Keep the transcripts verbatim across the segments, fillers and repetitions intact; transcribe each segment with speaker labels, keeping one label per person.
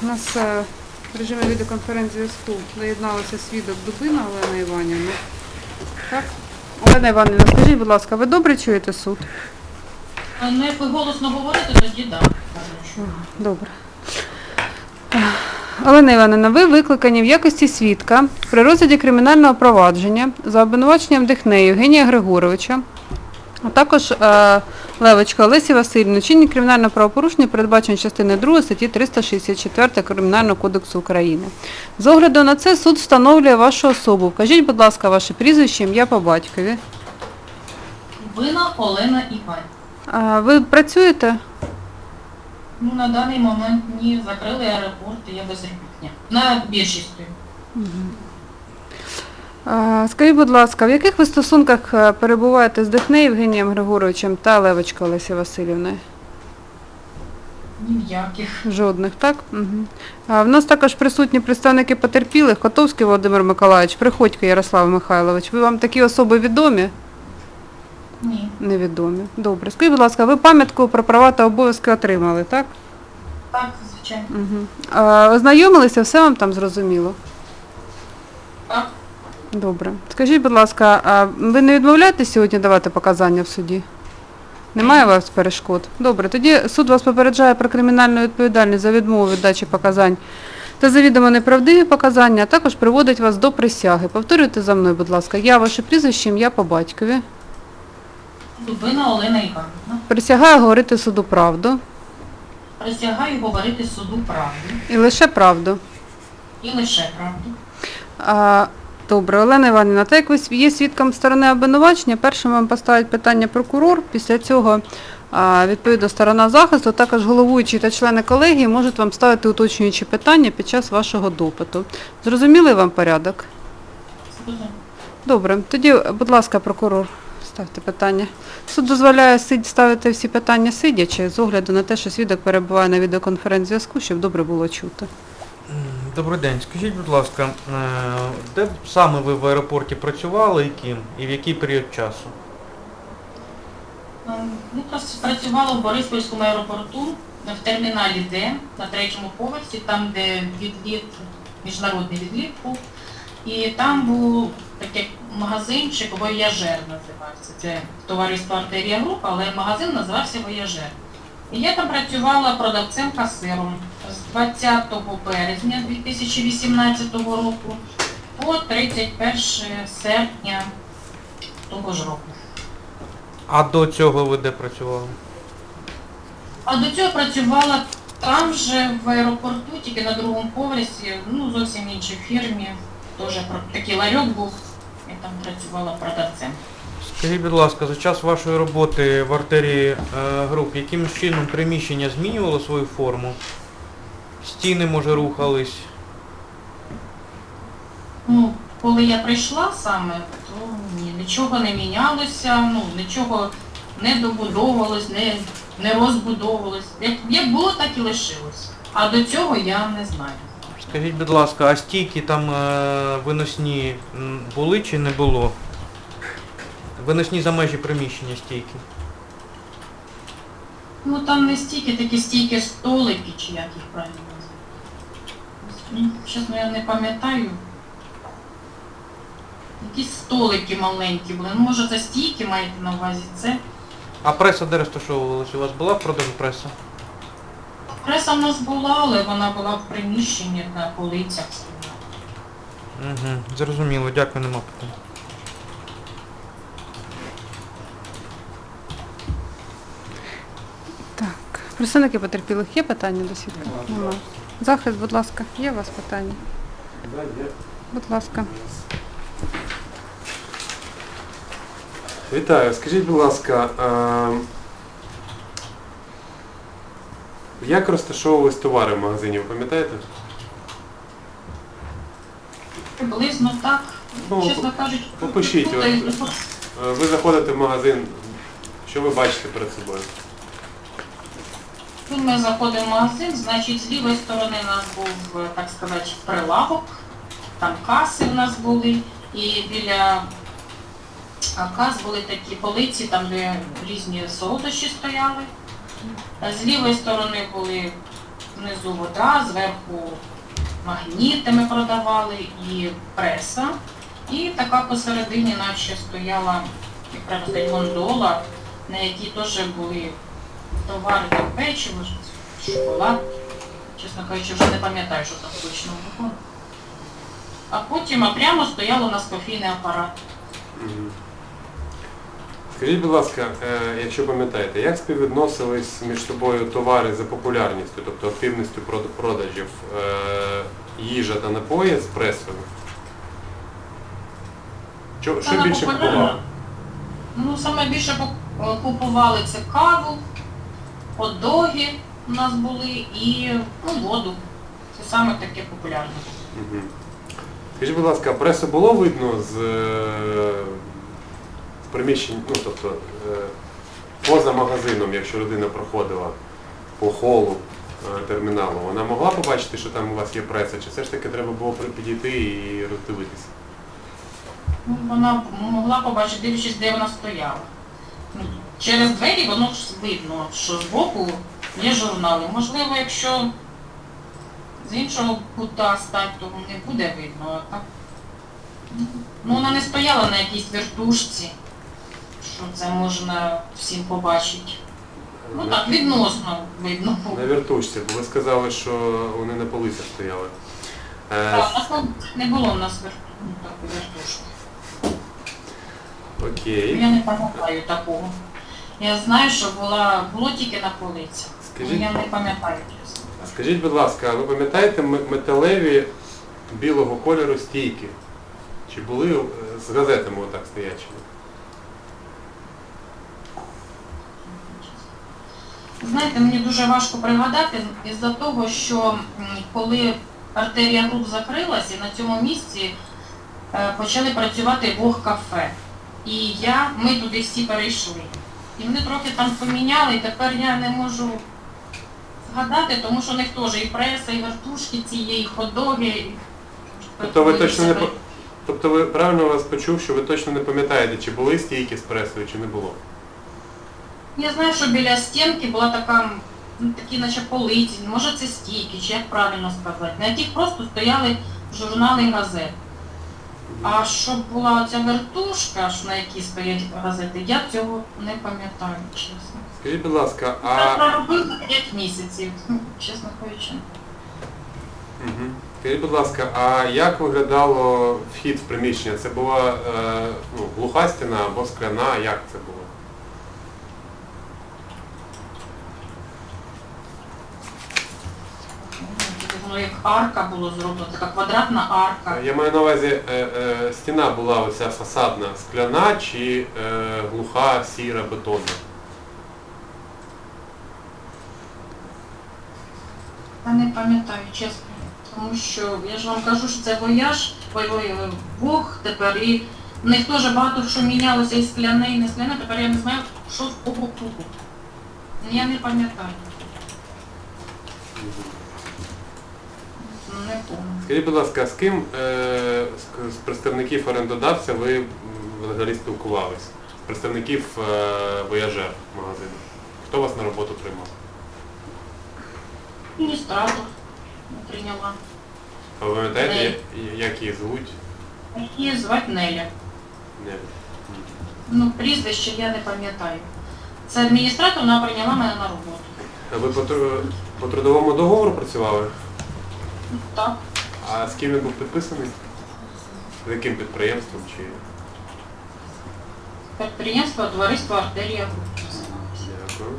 Speaker 1: У нас е, в режимі відеоконференц-зв'язку доєдналася свідок Дубина Олена Іванівна. Так? Олена Іванівна, скажіть, будь ласка, ви добре чуєте суд?
Speaker 2: Ну, як ви голосно говорите, тоді так.
Speaker 1: Добре. Олена Іванівна, ви викликані в якості свідка при розгляді кримінального провадження за обвинуваченням Дихнея Євгенія Григоровича, а також е, Левочка Олесі Васильівни, чинні кримінального правопорушення, передбачені частиною другої статті триста шістдесят чотири Кримінального кодексу України. З огляду на це суд встановлює вашу особу. Вкажіть, будь ласка, ваше прізвище, ім'я по батькові.
Speaker 2: Дубина Олена Іванівна.
Speaker 1: А, ви працюєте?
Speaker 2: Ну, на даний момент ні, закрили аеропорт, і я безробітня. На біржі стою.
Speaker 1: А, скажіть, будь ласка, в яких ви стосунках е, перебуваєте з Дихнеєм Євгенієм Григоровичем та Левочкою Олесі Васильівною?
Speaker 2: Ніяких.
Speaker 1: Жодних, так? Угу. А в нас також присутні представники потерпілих: Котовський Володимир Миколаївич, Приходько Ярослав Михайлович. Ви вам такі особи відомі?
Speaker 2: Ні.
Speaker 1: Невідомі. Добре. Скажіть, будь ласка, ви пам'ятку про права та обов'язки отримали, так?
Speaker 2: Так, звичайно.
Speaker 1: Угу. А, ознайомилися, все вам там зрозуміло?
Speaker 2: Так.
Speaker 1: Добре. Скажіть, будь ласка, а ви не відмовляєтесь сьогодні давати показання в суді? Немає у вас перешкод? Добре. Тоді суд вас попереджає про кримінальну відповідальність за відмову від дачі показань та завідомо неправдиві показання, а також приводить вас до присяги. Повторюйте за мною, будь ласка. Я, ваше прізвище, ім'я по батькові.
Speaker 2: Дубина Олена Іванівна.
Speaker 1: Присягаю говорити суду правду.
Speaker 2: Присягаю говорити суду правду.
Speaker 1: І лише правду.
Speaker 2: І лише правду.
Speaker 1: А, добре, Олена Іванівна, так як ви є свідком сторони обвинувачення, першим вам поставить питання прокурор, після цього а, відповідно сторона захисту, також головуючі та члени колегії можуть вам ставити уточнюючі питання під час вашого допиту. Зрозумілий вам порядок?
Speaker 2: Зрозуміло.
Speaker 1: Добре, тоді, будь ласка, прокурор, ставте питання. Суд дозволяє сид- ставити всі питання сидячи, з огляду на те, що свідок перебуває на відеоконференц-зв'язку, щоб добре було чути.
Speaker 3: Добрий день. Скажіть, будь ласка, е, де саме ви в аеропорті працювали і ким? І в який період часу?
Speaker 2: Ну, працювала в Бориспільському аеропорту в терміналі Д на третьому поверсі, там, де відліт, міжнародний відліт був. І там був такий магазинчик «Вояжер» називався. Це товариство «Артерія Груп», але магазин називався «Вояжер». І я там працювала продавцем-касиром з двадцятого березня дві тисячі вісімнадцятого року по тридцять перше серпня того ж року.
Speaker 3: А до цього ви де працювали?
Speaker 2: А до цього працювала там же, в аеропорту, тільки на другому поверсі, ну, зовсім іншій фірмі. Теж такий ларьок був, я там працювала продавцем.
Speaker 3: Скажіть, будь ласка, за час вашої роботи в артерії е, груп, яким чином приміщення змінювало свою форму? Стіни, може, рухались?
Speaker 2: Ну, коли я прийшла саме, то ні, нічого не мінялося, ну, нічого не добудовувалось, не, не розбудовувалось. Як, як було, так і лишилось. А до цього я не знаю.
Speaker 3: Скажіть, будь ласка, а стійки там е, виносні м, були чи не було? Виносні за межі приміщення стійки?
Speaker 2: Ну там не стійки, такі стійки столики, чи як їх правильно називають. Чесно, я не пам'ятаю. Якісь столики маленькі були. Ну, може, це стійки маєте на увазі, це.
Speaker 3: А преса де розташовувалася? У вас була в продажу преса?
Speaker 2: Преса в нас була, але вона була в приміщенні на полицях.
Speaker 3: Угу, зрозуміло, дякую, нема питань.
Speaker 1: Так, представники потерпілих, є питання до свідка? Нема. Захист, будь ласка, є у вас питання?
Speaker 4: Да, є.
Speaker 1: Будь ласка.
Speaker 4: Вітаю. Скажіть, будь ласка, а, як розташовувались товари в магазині, ви пам'ятаєте?
Speaker 2: Приблизно так.
Speaker 4: Ну,
Speaker 2: Чесно кажучи,
Speaker 4: опишіть,
Speaker 2: тут,
Speaker 4: от. А, ви заходите в магазин, що ви бачите перед собою?
Speaker 2: тут ми заходимо в магазин, значить, з лівої сторони у нас був, так сказати, прилавок, там каси у нас були, і біля кас були такі полиці, там де різні солодощі стояли. З лівої сторони були внизу вода, зверху магніти ми продавали і преса. І така посередині наче стояла, як правильно сказати, гондола, на якій теж були товари, там печиво, шоколад. Чесно кажучи, вже не пам'ятаю, що там точно було. А потім а прямо стояв у нас кофійний апарат.
Speaker 4: Мгм. Скажіть, будь ласка, е, якщо пам'ятаєте, як співвідносились між собою товари за популярністю, тобто активністю прод- продажів е, їжа та напої з пресою? Що, що
Speaker 2: Вона
Speaker 4: більше
Speaker 2: популярна.
Speaker 4: купували?
Speaker 2: Ну, саме більше пок- купували це каву, хот-доги у нас були і ну, воду. Це саме таке популярне.
Speaker 4: Мгм. Скажіть, будь ласка, пресу було видно з, е, з приміщень, ну тобто е, поза магазином, якщо людина проходила по холу е, терміналу, вона могла побачити, що там у вас є преса, чи все ж таки треба було при- підійти і роздивитися?
Speaker 2: Ну, вона могла побачити, дивлячись, де вона стояла. Ну, через двері воно ж видно, що збоку є журнали. Можливо, якщо з іншого кута стати, то не буде видно. А так, ну, вона не стояла на якійсь вертушці, що це можна всім побачити. Ну
Speaker 4: На-
Speaker 2: так, відносно видно було.
Speaker 4: На вертушці, бо ви сказали, що вони на полицях стояли. Е,
Speaker 2: Так, у нас ну, не було в нас вер... ну, такої вертушки.
Speaker 4: окей.
Speaker 2: Я не пам'ятаю такого. Я знаю, що була, було тільки на полицях.
Speaker 4: Скажіть-
Speaker 2: Ну, я не пам'ятаю, чесно.
Speaker 4: А скажіть, будь ласка, а ви пам'ятаєте м- металеві білого кольору стійки? Чи були е, з газетами отак стоячими?
Speaker 2: Знаєте, мені дуже важко пригадати із-за того, що м, коли артерія груп закрилась, і на цьому місці е, почали працювати Вог кафе. І я, ми туди всі перейшли. І вони трохи там поміняли, і тепер я не можу згадати, тому що у них теж і преса, і вертушки цієї, і хот-доги. і-
Speaker 4: Тобто ви точно не
Speaker 2: Все
Speaker 4: по- тобто ви правильно вас почув, що ви точно не пам'ятаєте, чи були стійки з пресою, чи не було?
Speaker 2: Я знаю, що біля стінки була така, ну, такі наче полиці, може це стійки, чи як правильно сказати, на яких просто стояли журнали і газети. А щоб була ця вертушка, що на якій стоять газети, я цього не пам'ятаю, чесно.
Speaker 4: Скажіть, будь ласка,
Speaker 2: Я
Speaker 4: а
Speaker 2: проробила п'ять місяців, ну, чесно кажучи.
Speaker 4: Мгм. Скажіть, будь ласка, а як виглядало вхід в приміщення? Це була е, ну, глуха стіна або скляна? Як це було?
Speaker 2: Воно як арка було зроблено, така квадратна арка.
Speaker 4: Я маю на увазі, е, е, стіна була оця фасадна скляна чи е, глуха, сіра, бетонна?
Speaker 2: Я не пам'ятаю, чесно. Тому що я ж вам кажу, що це вояж, ой, ой, ой, Бог тепер, і в них теж багато що мінялося, і скляне, і не скляне, тепер я не знаю, що з кого купу. Я не пам'ятаю. Ну, не помню.
Speaker 4: Скажіть, будь ласка, з ким е, з, з представників орендодавця ви м, взагалі спілкувались? З представників е, вояжер магазину? Хто вас на роботу приймав?
Speaker 2: Адміністратор не прийняла.
Speaker 4: А ви пам'ятаєте,
Speaker 2: Неля.
Speaker 4: я- як її звуть?
Speaker 2: Її звати Неля.
Speaker 4: Не.
Speaker 2: Ну, прізвище я не пам'ятаю. Це адміністратор, вона прийняла мене на роботу.
Speaker 4: А ви по, тру- по трудовому договору працювали?
Speaker 2: Ну, так.
Speaker 4: А з ким він був підписаний? З яким підприємством? Чи...
Speaker 2: Підприємство, товариство Артерія Груп.
Speaker 4: Дякую.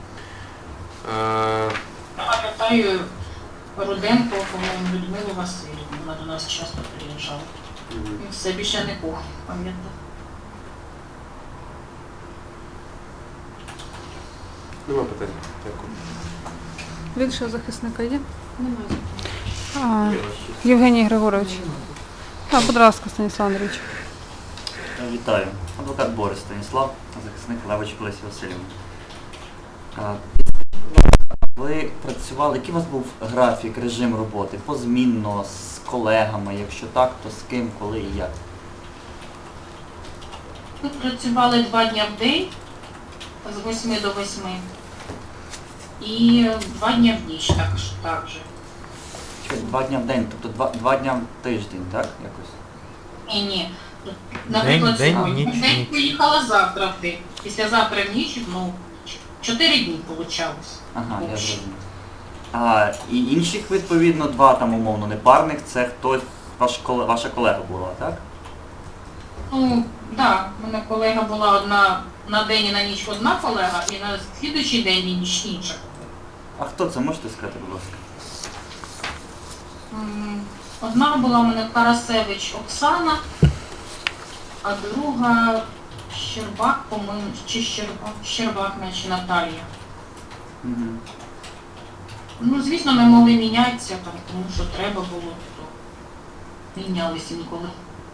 Speaker 4: Е,
Speaker 2: Я пам'ятаю Руденко, по-моєму, Людмилу Васильівну, вона до нас часто приїжджала.
Speaker 4: мгм.
Speaker 2: І все більше не кого пам'ятаю.
Speaker 4: Нема питань. Дякую.
Speaker 1: Більшого захисника є?
Speaker 2: Немає.
Speaker 1: А, Євгеній Григорович. А, будь ласка, Станіслав Андрійович.
Speaker 5: Вітаю. Адвокат Борис Станіслав, захисник Левич Олесі Васильівни. А, Ви працювали, який у вас був графік, режим роботи? Позмінно, з колегами? Якщо так, то з ким, коли і як?
Speaker 2: Ми працювали два дні в день, з восьми до восьми. і два дні в ніч також. Так же.
Speaker 5: Чекайте, Два дня в день, тобто два, два дня в тиждень, так? Якось?
Speaker 2: Ні, ні. Наприклад,
Speaker 3: день,
Speaker 2: сьогодні
Speaker 3: ніч,
Speaker 2: в день
Speaker 3: ніч.
Speaker 2: поїхала завтра в день. Післязавтра в ніч, ну, чотири дні вийшло.
Speaker 5: Ага, я зрозумів. А, і інших, відповідно, два там умовно непарних, це хтось, ваш, коле- ваша колега була, так?
Speaker 2: Ну, так, у мене колега була одна на день і на ніч одна колега, і на слідуючий день і ніч інша.
Speaker 5: А хто це, можете сказати, будь ласка?
Speaker 2: М, Одна була у мене Карасевич Оксана, а друга Щербак, по-моєму, чи Щербак, Щербак, наче Наталія.
Speaker 5: Угу.
Speaker 2: Ну, звісно, ми могли мінятися, там, тому що треба було, то мінялись інколи.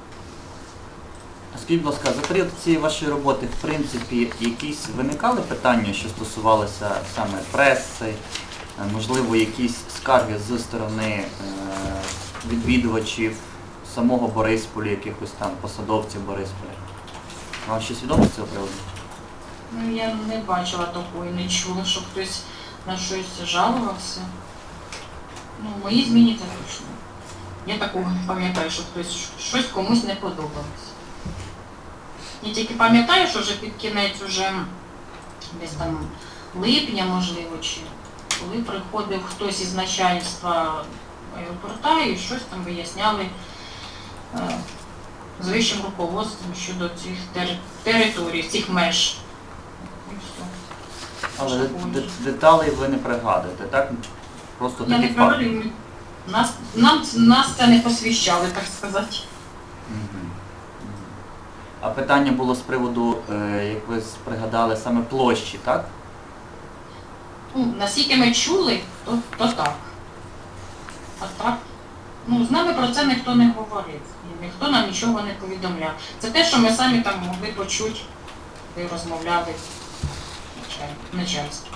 Speaker 5: А скажіть, будь ласка, за період цієї вашої роботи, в принципі, якісь виникали питання, що стосувалися саме преси, е, можливо, якісь скарги з сторони е, відвідувачів самого Борисполя, якихось там посадовців Борисполя? Вам щось відомо з цього приводу?
Speaker 2: Ну, я не бачила такої, не чула, що хтось на щось жалувався. Ну, в моїй зміні це точно. Я такого не пам'ятаю, що хтось щось комусь не подобалось. Я тільки пам'ятаю, що вже під кінець уже десь там липня, можливо, чи коли приходив хтось із начальства аеропорта і щось там виясняли е, з вищим руководством щодо цих тери- територій, цих меж. І все.
Speaker 5: Але
Speaker 2: Що
Speaker 5: де-
Speaker 2: такого
Speaker 5: де-
Speaker 2: ні.
Speaker 5: деталей ви не пригадуєте, так? Просто
Speaker 2: Я
Speaker 5: такі
Speaker 2: не
Speaker 5: факти.
Speaker 2: пригадую, ми- нас, нам, нас це не посвящали, так сказати.
Speaker 5: Мгм. Мгм. А питання було з приводу, е, як ви пригадали, саме площі, так?
Speaker 2: Ну, наскільки ми чули, то, то так. А так, ну, з нами про це ніхто не говорив. І ніхто нам нічого не повідомляв. Це те, що ми самі там могли почути, коли розмовляли началь- начальство.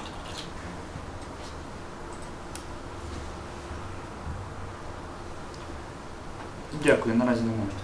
Speaker 5: Дякую, наразі не можу.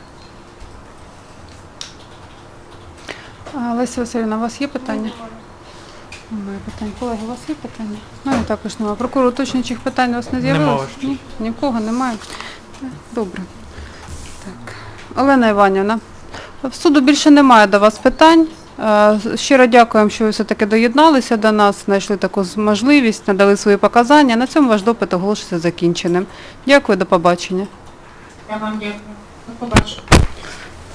Speaker 1: А, Леся Васильівна, у вас є питання? Немає питань. Колеги, у вас є питання? Ну, і також немає. Прокурор, уточнюючих питань у вас не
Speaker 3: Нема,
Speaker 1: з'явилось?
Speaker 3: Ваша честь.
Speaker 1: Ні? Ні в кого немає? Е, Добре. Так. Олена Іванівна, в суду більше немає до вас питань. Е, Щиро дякуємо, що ви все-таки доєдналися до нас, знайшли таку з- можливість, надали свої показання. На цьому ваш допит оголошується закінченим. Дякую, до побачення.
Speaker 2: Я вам дякую. До побачення.